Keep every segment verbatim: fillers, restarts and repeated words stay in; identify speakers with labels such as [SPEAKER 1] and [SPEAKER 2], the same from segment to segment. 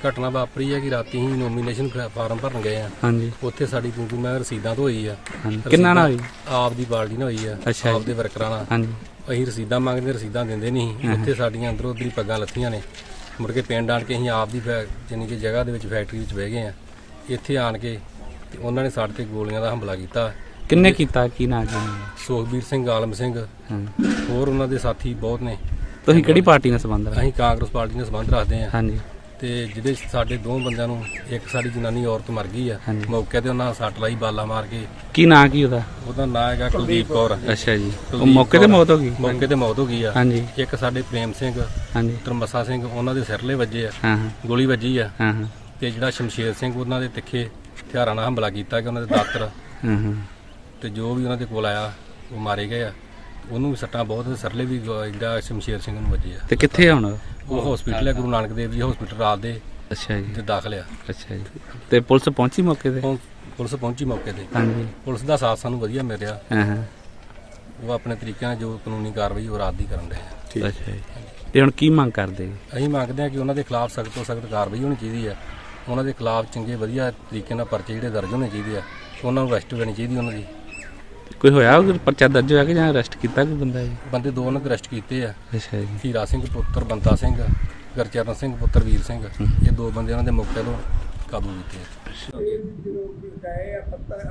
[SPEAKER 1] ਘਟਨਾ ਵਾਪਰੀ ਹੈ ਕਿ ਰਾਤੀ ਹੀ ਨੋਮੀਨੇਸ਼ਨ ਫਾਰਮ ਭਰਨ ਗਏ ਆ।
[SPEAKER 2] ਹਾਂਜੀ।
[SPEAKER 1] ਉੱਥੇ ਸਾਡੀ ਕਿਉਂਕਿ ਮੈਂ ਰਸੀਦਾਂ ਤੋਂ ਹੋਈ ਆ।
[SPEAKER 2] ਕਿੰਨਾ ਨਾਲ ਹੋਈ?
[SPEAKER 1] ਆਪ ਦੀ ਪਾਰਟੀ ਨਾਲ ਹੋਈ ਆ।
[SPEAKER 2] ਅੱਛਾ
[SPEAKER 1] ਆਪ ਦੇ ਵਰਕਰਾਂ ਨਾਲ।
[SPEAKER 2] ਹਾਂਜੀ।
[SPEAKER 1] ਅਸੀਂ ਰਸੀਦਾਂ ਮੰਗਦੇ ਰਸੀਦਾਂ ਦਿੰਦੇ ਨਹੀਂ। ਉੱਥੇ ਸਾਡੀਆਂ ਅੰਦਰੋਂ ਉੱਧਰ ਹੀ ਪੱਗਾਂ ਲੱਥੀਆਂ ਨੇ। ਮੁੜ ਕੇ ਪਿੰਡ ਆਣ ਕੇ ਅਸੀਂ ਆਪ ਦੀ ਜਾਨੀ ਕਿ ਜਗ੍ਹਾ ਦੇ ਵਿੱਚ ਫੈਕਟਰੀ ਵਿੱਚ ਬਹਿ ਗਏ ਆ। ਇੱਥੇ ਆਣ ਕੇ ਤੇ ਉਹਨਾਂ ਨੇ ਸਾਡੇ ਤੇ ਗੋਲੀਆਂ ਦਾ ਹਮਲਾ ਕੀਤਾ।
[SPEAKER 2] ਕਿੰਨੇ ਕੀਤਾ? ਕੀ ਨਾਂ ਜੀ?
[SPEAKER 1] ਸੁਖਬੀਰ ਸਿੰਘ, ਆਲਮ ਸਿੰਘ, ਹੋਰ ਉਹਨਾਂ ਦੇ ਸਾਥੀ ਬਹੁਤ ਨੇ।
[SPEAKER 2] ਤੁਸੀਂ ਕਿਹੜੀ ਪਾਰਟੀ ਨਾਲ ਸੰਬੰਧ ਰੱਖਦੇ?
[SPEAKER 1] ਅਸੀਂ ਕਾਂਗਰਸ ਪਾਰਟੀ ਨਾਲ ਸੰਬੰਧ ਰੱਖਦੇ ਆ।
[SPEAKER 2] ਹਾਂਜੀ।
[SPEAKER 1] ਤੇ ਜਿਹਦੇ ਸਾਡੇ ਦੋ ਬੰਦਿਆਂ ਨੂੰ, ਇੱਕ ਸਾਡੀ ਜਨਾਨੀ ਔਰਤ ਮਰ ਗਈ ਆ ਮੌਕੇ ਤੇ, ਉਹਨਾਂ ਸੱਟ ਲਾਈ ਬਾਲਾ ਮਾਰ ਕੇ।
[SPEAKER 2] ਕੀ ਨਾਂ ਕੀ ਉਹਦਾ?
[SPEAKER 1] ਉਹਦਾ ਨਾਂ ਹੈਗਾ ਕੁਲਦੀਪ ਕੌਰ।
[SPEAKER 2] ਅੱਛਾ ਜੀ। ਉਹ ਮੌਕੇ ਤੇ ਮੌਤ ਹੋ ਗਈ?
[SPEAKER 1] ਮੌਕੇ ਤੇ ਮੌਤ ਹੋ ਗਈ ਆ।
[SPEAKER 2] ਹਾਂਜੀ।
[SPEAKER 1] ਇੱਕ ਸਾਡੇ ਪ੍ਰੇਮ ਸਿੰਘ,
[SPEAKER 2] ਹਾਂਜੀ,
[SPEAKER 1] ਤਰਮਸਾ ਸਿੰਘ, ਉਹਨਾਂ ਦੇ ਸਿਰਲੇ ਵੱਜੇ ਆ।
[SPEAKER 2] ਹਾਂ ਹਾਂ,
[SPEAKER 1] ਗੋਲੀ ਵੱਜੀ ਆ।
[SPEAKER 2] ਹਾਂ ਹਾਂ।
[SPEAKER 1] ਤੇ ਜਿਹੜਾ ਸ਼ਮਸ਼ੇਰ ਸਿੰਘ, ਉਹਨਾਂ ਦੇ ਤਿੱਖੇ ਹਥਿਆਰਾਂ ਨਾਲ ਹਮਲਾ ਕੀਤਾ ਕਿ ਉਹਨਾਂ ਦੇ ਦਾਤਰ
[SPEAKER 2] ਹਾਂ ਹਾਂ,
[SPEAKER 1] ਤੇ ਜੋ ਵੀ ਉਹਨਾਂ ਦੇ ਕੋਲ ਆਇਆ ਉਹ ਮਾਰੇ ਗਏ ਆ। ਉਹਨੂੰ ਵੀ ਸੱਟਾਂ ਬਹੁਤ, ਸਰਲੇ ਵੀ ਜਿਹੜਾ ਸ਼ਮਸ਼ੇਰ ਸਿੰਘ ਨੂੰ ਵੱਜੇ ਆ।
[SPEAKER 2] ਤੇ ਕਿੱਥੇ ਆ ਹੁਣ
[SPEAKER 1] ਉਹ ਹਸਪੀਟਲ ਹੈ, ਗੁਰੂ ਨਾਨਕ ਦੇਵ ਜੀ ਹਸਪੀਟਲ ਰਾਤ ਦੇ।
[SPEAKER 2] ਅੱਛਾ ਜੀ।
[SPEAKER 1] ਤੇ ਦਾਖਲ ਆ।
[SPEAKER 2] ਅੱਛਾ ਜੀ। ਤੇ ਪੁਲਿਸ ਪਹੁੰਚੀ ਮੌਕੇ ਤੇ?
[SPEAKER 1] ਹੁਣ ਪੁਲਿਸ ਪਹੁੰਚੀ ਮੌਕੇ ਤੇ।
[SPEAKER 2] ਹਾਂਜੀ।
[SPEAKER 1] ਪੁਲਿਸ ਦਾ ਸਾਥ ਸਾਨੂੰ ਵਧੀਆ ਮਿਲ ਰਿਹਾ।
[SPEAKER 2] ਹਾਂ ਹਾਂ।
[SPEAKER 1] ਉਹ ਆਪਣੇ ਤਰੀਕੇ ਨਾਲ ਜੋ ਕਾਨੂੰਨੀ ਕਾਰਵਾਈ ਉਹ ਰਾਤ ਦੀ ਕਰਨ ਰਹੇ ਆ।
[SPEAKER 2] ਅੱਛਾ ਜੀ। ਤੇ ਹੁਣ ਕੀ ਮੰਗ ਕਰਦੇ?
[SPEAKER 1] ਅਸੀਂ ਮੰਗਦੇ ਹਾਂ ਕਿ ਉਹਨਾਂ ਦੇ ਖਿਲਾਫ ਸਖਤ ਤੋਂ ਸਖਤ ਕਾਰਵਾਈ ਹੋਣੀ ਚਾਹੀਦੀ ਆ। ਉਹਨਾਂ ਦੇ ਖਿਲਾਫ ਚੰਗੇ ਵਧੀਆ ਤਰੀਕੇ ਨਾਲ ਪਰਚੇ ਜਿਹੜੇ ਦਰਜ ਹੋਣੇ ਚਾਹੀਦੇ ਆ। ਉਹਨਾਂ ਨੂੰ ਅਰੈਸਟ ਕਰਨੀ ਚਾਹੀਦੀ ਉਹਨਾਂ ਦੀ।
[SPEAKER 2] ਕੋਈ ਹੋਇਆ ਪਰਚਾ ਦਰਜ ਹੋਇਆ ਕਿ ਜਾਂ ਅਰੈਸਟ ਕੀਤਾ ਕੋਈ ਬੰਦਾ ਜੀ?
[SPEAKER 1] ਬੰਦੇ ਦੋ ਉਹਨਾਂ ਦੇ ਅਰੈਸਟ ਕੀਤੇ ਆ।
[SPEAKER 2] ਅੱਛਾ ਜੀ।
[SPEAKER 1] ਹੀਰਾ ਸਿੰਘ ਪੁੱਤਰ ਬੰਤਾ ਸਿੰਘ, ਗੁਰਚਰਨ ਸਿੰਘ ਪੁੱਤਰ ਵੀਰ ਸਿੰਘ, ਇਹ ਦੋ ਬੰਦੇ ਉਹਨਾਂ ਦੇ ਮੌਕੇ ਤੋਂ ਕਾਬੂ ਕੀਤੇ ਆ।
[SPEAKER 3] ਗਏ ਪੱਤਰ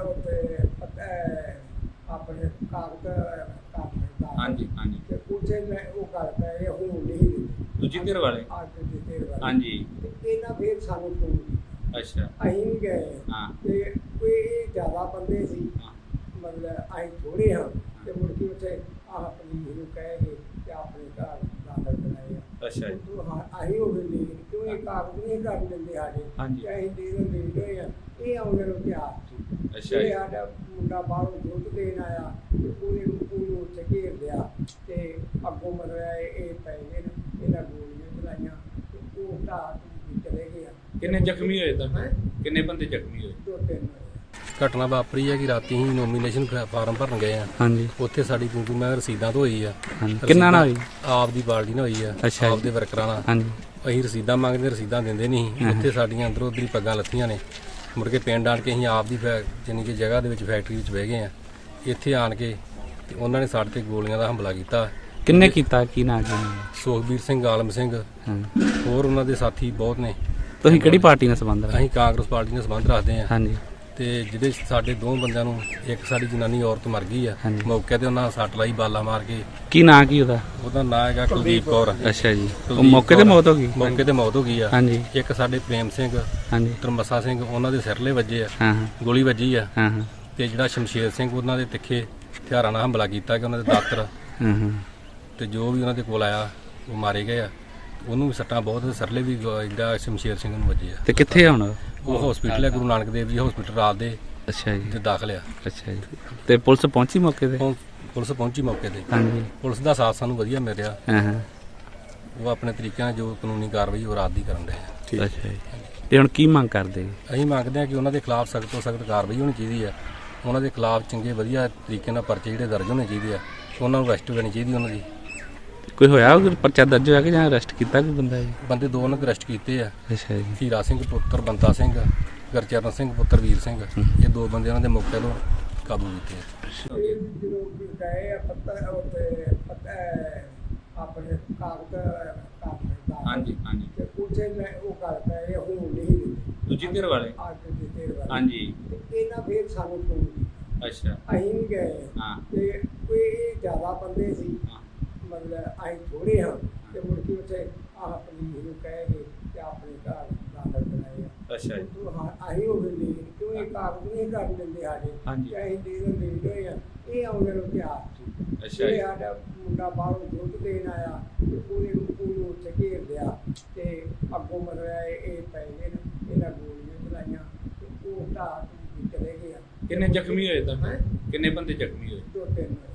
[SPEAKER 3] ਆਪਣੇ ਕਾਗਜ਼ ਕਾਗਜ਼
[SPEAKER 2] ਹਾਂਜੀ ਹਾਂਜੀ।
[SPEAKER 3] ਤੇ ਉੱਥੇ ਮੈਂ ਉਹ ਗੱਲ ਪਏ ਹੁਣ ਨਹੀਂ
[SPEAKER 2] ਦੂਜੀ ਧਿਰ ਵਾਲੇ?
[SPEAKER 3] ਅੱਜ ਦੀ ਧਿਰ ਵਾਲੇ।
[SPEAKER 2] ਹਾਂਜੀ।
[SPEAKER 3] ਤੇ ਇਹਨਾਂ ਫੇਰ ਸਾਨੂੰ ਫੋਨ ਕੀਤਾ।
[SPEAKER 2] ਅੱਛਾ।
[SPEAKER 3] ਅਸੀਂ ਵੀ ਗਏ।
[SPEAKER 2] ਹਾਂ।
[SPEAKER 3] ਤੇ ਕੋਈ ਜ਼ਿਆਦਾ ਬੰਦੇ ਸੀ, ਮਤਲਬ ਅਸੀਂ ਥੋੜੇ ਹਾਂ। ਤੇ ਮੁੜ ਕੇ ਉੱਥੇ ਆਹ ਪੁਲਿਸ ਨੂੰ ਕਹੇ ਗਏ ਕਿ ਆਪਣੇ ਘਰ ਦਾਖਲ ਕਰਾਏ ਆ।
[SPEAKER 2] ਅੱਛਾ ਜੀ।
[SPEAKER 3] ਅਸੀਂ ਉਹ ਵੀ ਨਹੀਂ, ਕਿਉਂ ਇਹ ਕਾਗਜ਼ ਨਹੀਂ ਕਰ ਦਿੰਦੇ ਸਾਡੇ।
[SPEAKER 2] ਹਾਂਜੀ।
[SPEAKER 3] ਅਸੀਂ ਦੇ ਦਿੰਦੇ ਹੋਏ ਆ। ਇਹ ਆਉਂਦੇ ਨੂੰ ਤਿਆਰ ਸੀ।
[SPEAKER 2] ਅੱਛਾ
[SPEAKER 3] ਇਹ
[SPEAKER 2] ਜੀ।
[SPEAKER 3] ਸਾਡਾ ਮੁੰਡਾ ਬਾਹਰੋਂ ਦੁੱਧ ਦੇਣ ਆਇਆ ਤੇ ਉਹਨੇ ਉਹਨੂੰ ਉੱਥੇ ਘੇਰ ਲਿਆ ਤੇ ਅੱਗੋਂ ਮਤਲਬ ਇਹ ਪੈ ਗਏ ਨੇ, ਇਹਨਾਂ ਗੋਲੀਆਂ ਚਲਾਈਆਂ ਤੇ ਉਹ ਢਾਹ ਚਲੇ ਗਏ ਆ।
[SPEAKER 2] ਕਿੰਨੇ ਜ਼ਖਮੀ ਹੋਏ ਤਾਂ? ਕਿੰਨੇ ਬੰਦੇ ਜ਼ਖਮੀ ਹੋਏ?
[SPEAKER 3] ਦੋ ਤਿੰਨ
[SPEAKER 1] ਘਟਨਾ ਵਾਪਰੀ ਹੈ ਕਿ ਰਾਤੀ ਹੀ ਨੋਮੀਨੇਸ਼ਨ ਫਾਰਮ ਭਰਨ ਗਏ ਆ।
[SPEAKER 2] ਹਾਂਜੀ।
[SPEAKER 1] ਉੱਥੇ ਸਾਡੀ ਕਿਉਂਕਿ ਮੈਂ ਰਸੀਦਾਂ ਤੋਂ ਹੋਈ ਆ।
[SPEAKER 2] ਕਿੰਨਾ ਨਾਲ ਹੋਈ?
[SPEAKER 1] ਆਪ ਦੀ ਪਾਰਟੀ ਨਾਲ ਹੋਈ ਆ।
[SPEAKER 2] ਅੱਛਾ ਜੀ।
[SPEAKER 1] ਆਪ ਦੇ ਵਰਕਰਾਂ ਨਾਲ।
[SPEAKER 2] ਹਾਂਜੀ।
[SPEAKER 1] ਅਸੀਂ ਰਸੀਦਾਂ ਮੰਗਦੇ ਰਸੀਦਾਂ ਦਿੰਦੇ ਨਹੀਂ। ਉੱਥੇ ਸਾਡੀਆਂ ਅੰਦਰੋਂ ਉੱਧਰ ਹੀ ਪੱਗਾਂ ਲੱਥੀਆਂ ਨੇ। ਮੁੜ ਕੇ ਪਿੰਡ ਆਣ ਕੇ ਅਸੀਂ ਆਪ ਦੀ ਜਾਨੀ ਕਿ ਜਗ੍ਹਾ ਦੇ ਵਿੱਚ ਫੈਕਟਰੀ ਵਿੱਚ ਬਹਿ ਗਏ ਆ। ਇੱਥੇ ਆਣ ਕੇ ਤੇ ਉਹਨਾਂ ਨੇ ਸਾਡੇ ਤੇ ਗੋਲੀਆਂ ਦਾ ਹਮਲਾ ਕੀਤਾ।
[SPEAKER 2] ਕਿੰਨੇ ਕੀਤਾ? ਕੀ ਨਾਂ ਜੀ?
[SPEAKER 1] ਸੁਖਬੀਰ ਸਿੰਘ, ਆਲਮ ਸਿੰਘ, ਹੋਰ ਉਹਨਾਂ ਦੇ ਸਾਥੀ ਬਹੁਤ ਨੇ।
[SPEAKER 2] ਤੁਸੀਂ ਕਿਹੜੀ ਪਾਰਟੀ ਨਾਲ ਸੰਬੰਧ ਰੱਖਦੇ?
[SPEAKER 1] ਅਸੀਂ ਕਾਂਗਰਸ ਪਾਰਟੀ ਨਾਲ ਸੰਬੰਧ ਰੱਖਦੇ ਆ।
[SPEAKER 2] ਹਾਂਜੀ।
[SPEAKER 1] ਤੇ ਜਿਹਦੇ ਸਾਡੇ ਦੋ ਬੰਦਿਆਂ ਨੂੰ, ਇੱਕ ਸਾਡੀ ਜਨਾਨੀ ਔਰਤ ਮਰ ਗਈ ਆ ਮੌਕੇ ਤੇ, ਉਹਨਾਂ ਸੱਟ ਲਾਈ ਬਾਲਾ ਮਾਰ ਕੇ।
[SPEAKER 2] ਕੀ ਨਾਂ ਕੀ ਉਹਦਾ?
[SPEAKER 1] ਉਹਦਾ ਨਾਂ ਹੈਗਾ ਕੁਲਦੀਪ ਕੌਰ।
[SPEAKER 2] ਅੱਛਾ ਜੀ। ਉਹ ਮੌਕੇ ਤੇ ਮੌਤ ਹੋ ਗਈ?
[SPEAKER 1] ਮੌਕੇ ਤੇ ਮੌਤ ਹੋ ਗਈ ਆ।
[SPEAKER 2] ਹਾਂਜੀ।
[SPEAKER 1] ਇੱਕ ਸਾਡੇ ਪ੍ਰੇਮ ਸਿੰਘ,
[SPEAKER 2] ਹਾਂਜੀ,
[SPEAKER 1] ਤਰਮਸਾ ਸਿੰਘ, ਉਹਨਾਂ ਦੇ ਸਿਰਲੇ ਵੱਜੇ ਆ।
[SPEAKER 2] ਹਾਂ ਹਾਂ,
[SPEAKER 1] ਗੋਲੀ ਵੱਜੀ ਆ।
[SPEAKER 2] ਹਾਂ ਹਾਂ।
[SPEAKER 1] ਤੇ ਜਿਹੜਾ ਸ਼ਮਸ਼ੇਰ ਸਿੰਘ, ਉਹਨਾਂ ਦੇ ਤਿੱਖੇ ਹਥਿਆਰਾਂ ਨਾਲ ਹਮਲਾ ਕੀਤਾ ਕਿ ਉਹਨਾਂ ਦੇ ਦਾਤਰ
[SPEAKER 2] ਹਾਂ ਹਾਂ।
[SPEAKER 1] ਤੇ ਜੋ ਵੀ ਉਹਨਾਂ ਦੇ ਕੋਲ ਆਇਆ ਉਹ ਮਾਰੇ ਗਏ ਆ। ਉਹਨੂੰ ਵੀ ਸੱਟਾਂ ਬਹੁਤ, ਸਰਲੇ ਵੀ ਜਿਹੜਾ ਸ਼ਮਸ਼ੇਰ ਸਿੰਘ ਨੂੰ ਵੱਜੇ ਆ।
[SPEAKER 2] ਤੇ ਕਿੱਥੇ ਆ ਹੁਣ?
[SPEAKER 1] ਉਹ ਹਸਪੀਟਲ ਹੈ, ਗੁਰੂ ਨਾਨਕ ਦੇਵ ਜੀ ਹਸਪੀਟਲ ਰਾਤ ਦੇ।
[SPEAKER 2] ਅੱਛਾ ਜੀ।
[SPEAKER 1] ਤੇ ਦਾਖਲ ਆ।
[SPEAKER 2] ਅੱਛਾ ਜੀ। ਤੇ ਪੁਲਿਸ ਪਹੁੰਚੀ ਮੌਕੇ ਤੇ?
[SPEAKER 1] ਹੁਣ ਪੁਲਿਸ ਪਹੁੰਚੀ ਮੌਕੇ ਤੇ।
[SPEAKER 2] ਹਾਂਜੀ।
[SPEAKER 1] ਪੁਲਿਸ ਦਾ ਸਾਥ ਸਾਨੂੰ ਵਧੀਆ ਮਿਲ ਰਿਹਾ।
[SPEAKER 2] ਹਾਂ ਹਾਂ।
[SPEAKER 1] ਉਹ ਆਪਣੇ ਤਰੀਕੇ ਨਾਲ ਜੋ ਕਾਨੂੰਨੀ ਕਾਰਵਾਈ ਉਹ ਰਾਤ ਦੀ ਕਰਨ ਰਹੇ ਆ।
[SPEAKER 2] ਅੱਛਾ ਜੀ। ਤੇ ਹੁਣ ਕੀ ਮੰਗ ਕਰਦੇ?
[SPEAKER 1] ਅਸੀਂ ਮੰਗਦੇ ਹਾਂ ਕਿ ਉਹਨਾਂ ਦੇ ਖਿਲਾਫ ਸਖਤ ਤੋਂ ਸਖਤ ਕਾਰਵਾਈ ਹੋਣੀ ਚਾਹੀਦੀ ਆ। ਉਹਨਾਂ ਦੇ ਖਿਲਾਫ ਚੰਗੇ ਵਧੀਆ ਤਰੀਕੇ ਨਾਲ ਪਰਚੇ ਜਿਹੜੇ ਦਰਜ ਹੋਣੇ ਚਾਹੀਦੇ ਆ। ਉਹਨਾਂ ਨੂੰ ਅਰੈਸਟ ਕਰਨੀ ਚਾਹੀਦੀ ਉਹਨਾਂ ਦੀ।
[SPEAKER 2] ਕੋਈ ਹੋਇਆ ਪਰਚਾ ਦਰਜ ਹੋਇਆ ਕਿ ਜਾਂ ਅਰੈਸਟ ਕੀਤਾ ਕੋਈ ਬੰਦਾ ਜੀ?
[SPEAKER 1] ਬੰਦੇ ਦੋ ਉਹਨਾਂ ਦੇ ਅਰੈਸਟ ਕੀਤੇ ਆ।
[SPEAKER 2] ਅੱਛਾ ਜੀ।
[SPEAKER 1] ਹੀਰਾ ਸਿੰਘ ਪੁੱਤਰ ਬੰਤਾ ਸਿੰਘ, ਗੁਰਚਰਨ ਸਿੰਘ ਪੁੱਤਰ ਵੀਰ ਸਿੰਘ, ਇਹ ਦੋ ਬੰਦੇ ਉਹਨਾਂ ਦੇ ਮੌਕੇ ਤੋਂ ਕਾਬੂ ਕੀਤੇ ਆ।
[SPEAKER 3] ਜਦੋਂ ਗਏ ਆ ਪੱਤਰ ਉੱਤੇ ਆਪਣੇ ਕਾਗਜ਼ ਕਾਗਜ਼
[SPEAKER 2] ਹਾਂਜੀ ਹਾਂਜੀ।
[SPEAKER 3] ਤੇ ਉੱਥੇ ਮੈਂ ਉਹ ਗੱਲ ਪਏ ਹੁਣ ਨਹੀਂ
[SPEAKER 2] ਦੂਜੀ ਧਿਰ ਵਾਲੇ?
[SPEAKER 3] ਅੱਜ ਦੀ ਧਿਰ ਵਾਲੇ।
[SPEAKER 2] ਹਾਂਜੀ।
[SPEAKER 3] ਤੇ ਇਹਨਾਂ ਫੇਰ ਸਾਨੂੰ ਫੋਨ ਕੀਤਾ।
[SPEAKER 2] ਅੱਛਾ।
[SPEAKER 3] ਅਸੀਂ ਵੀ ਗਏ।
[SPEAKER 2] ਹਾਂ।
[SPEAKER 3] ਤੇ ਕੋਈ ਜ਼ਿਆਦਾ ਬੰਦੇ ਸੀ, ਮਤਲਬ ਅਸੀਂ ਥੋੜੇ ਹਾਂ। ਤੇ ਮੁੜ ਕੇ ਉੱਥੇ ਆਹ ਪੁਲਿਸ ਨੂੰ ਕਹੇ ਗਏ ਕਿ ਆਪਣੇ ਘਰ ਦਾਖਲ ਕਰਾਏ ਆ।
[SPEAKER 2] ਅੱਛਾ ਜੀ।
[SPEAKER 3] ਅਸੀਂ ਉਹ ਵੀ ਨਹੀਂ, ਕਿਉਂ ਇਹ ਕਾਗਜ਼ ਨਹੀਂ ਕਰ ਦਿੰਦੇ ਸਾਡੇ।
[SPEAKER 2] ਹਾਂਜੀ।
[SPEAKER 3] ਅਸੀਂ ਦੇ ਦਿੰਦੇ ਹੋਏ ਆ। ਇਹ ਆਉਂਦੇ ਨੂੰ ਤਿਆਰ ਸੀ।
[SPEAKER 2] ਅੱਛਾ
[SPEAKER 3] ਇਹ
[SPEAKER 2] ਜੀ।
[SPEAKER 3] ਸਾਡਾ ਮੁੰਡਾ ਬਾਹਰੋਂ ਦੁੱਧ ਦੇਣ ਆਇਆ ਤੇ ਉਹਨੇ ਉਹਨੂੰ ਉੱਥੇ ਘੇਰ ਲਿਆ ਤੇ ਅੱਗੋਂ ਮਤਲਬ ਇਹ ਪੈ ਗਏ ਨੇ, ਇਹਨਾਂ ਗੋਲੀਆਂ ਚਲਾਈਆਂ ਤੇ ਉਹ ਢਾਹ ਚਲੇ ਗਏ ਆ।
[SPEAKER 2] ਕਿੰਨੇ ਜ਼ਖਮੀ ਹੋਏ ਤਾਂ? ਕਿੰਨੇ ਬੰਦੇ ਜ਼ਖਮੀ ਹੋਏ?
[SPEAKER 3] ਦੋ ਤਿੰਨ